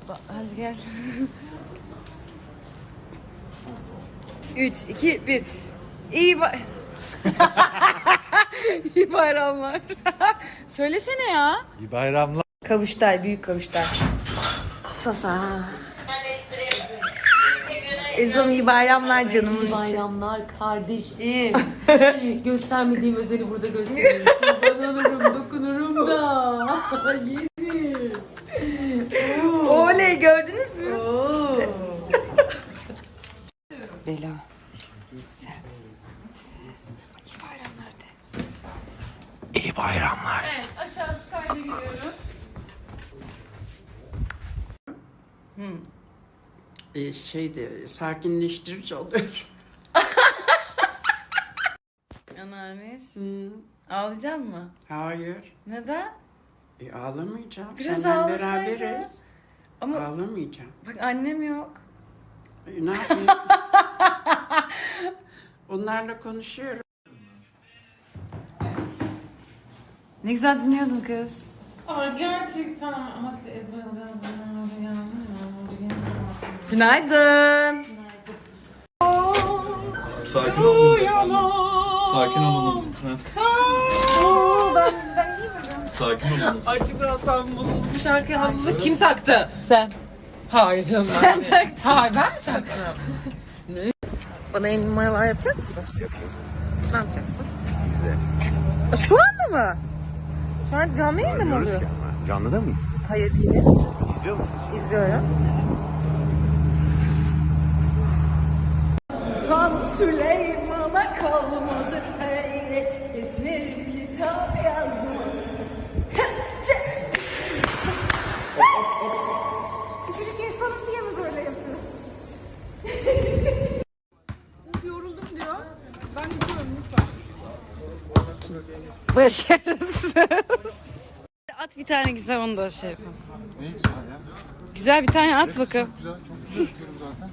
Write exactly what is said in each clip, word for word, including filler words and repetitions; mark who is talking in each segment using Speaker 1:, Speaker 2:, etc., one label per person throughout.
Speaker 1: Hadi gel. Üç, iki, bir. İyi bay... İyi bayramlar. Söylesene ya.
Speaker 2: İyi bayramlar.
Speaker 1: Kavuştay, büyük kavuştay. Sasa. Ezom iyi bayramlar canımın içi.
Speaker 3: Bayramlar kardeşim. Göstermediğim özeli burada göstereyim. Kurban olurum, dokunurum da. Yerim.
Speaker 1: Oley, gördünüz mü?
Speaker 3: Oo.
Speaker 1: Bela. Sen. İyi bayramlar de.
Speaker 2: İyi bayramlar.
Speaker 4: Evet, aşağısı kayda gidiyorum.
Speaker 1: Hmm.
Speaker 5: E, şeyde sakinleştirici oluyor.
Speaker 1: Anneannes.
Speaker 5: Hmm,
Speaker 1: Ağlayacak mı?
Speaker 5: hayır.
Speaker 1: Neden?
Speaker 5: E, ağlamayacağım.
Speaker 1: Biraz
Speaker 5: Senden
Speaker 1: ağlasaydın.
Speaker 5: beraberiz.
Speaker 1: Ama
Speaker 5: Ağlamayacağım.
Speaker 1: bak annem yok.
Speaker 5: E, ne yapayım? Onlarla konuşuyorum.
Speaker 1: Ne güzel dinliyordun kız.
Speaker 4: Ama gerçekten ama ezber alacağım.
Speaker 1: Günaydın.
Speaker 2: Sakin olun efendim. Sakin olun lütfen. Sakin olun.
Speaker 4: Ay çok asabım bozuldu. Bu şarkıyı ağzımıza kim taktı?
Speaker 1: Sen.
Speaker 4: Hayır canım.
Speaker 1: Sen taktın.
Speaker 4: Hayır ben mi taktım?
Speaker 1: Bana el numaralar yapacak mısın?
Speaker 2: Yapayım.
Speaker 1: Ne yapacaksın?
Speaker 2: Size.
Speaker 1: Şu anda mı? Şu an canlı yayında mı
Speaker 2: Görüyoruz
Speaker 1: oluyor?
Speaker 2: ki ama. Canlıda mıyız?
Speaker 1: Hayır değiliz.
Speaker 2: İzliyor musunuz?
Speaker 1: İzliyorum. Tam Süleyman'a kalmadı öyle geçir kitap yazmadı. Küçük genç falan diye mi böyle yapıyorsun?
Speaker 3: Yoruldum diyor. Ben gidiyorum lütfen.
Speaker 1: Başarısız. At bir tane güzel, onu da şey yapalım.
Speaker 2: Ne güzel ya.
Speaker 1: Güzel bir tane at bakalım.
Speaker 2: Güzel, çok güzel tutuyorum zaten.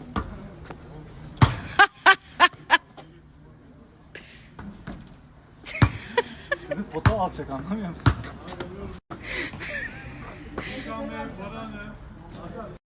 Speaker 2: Kızım pota alacak, anlamıyor musun?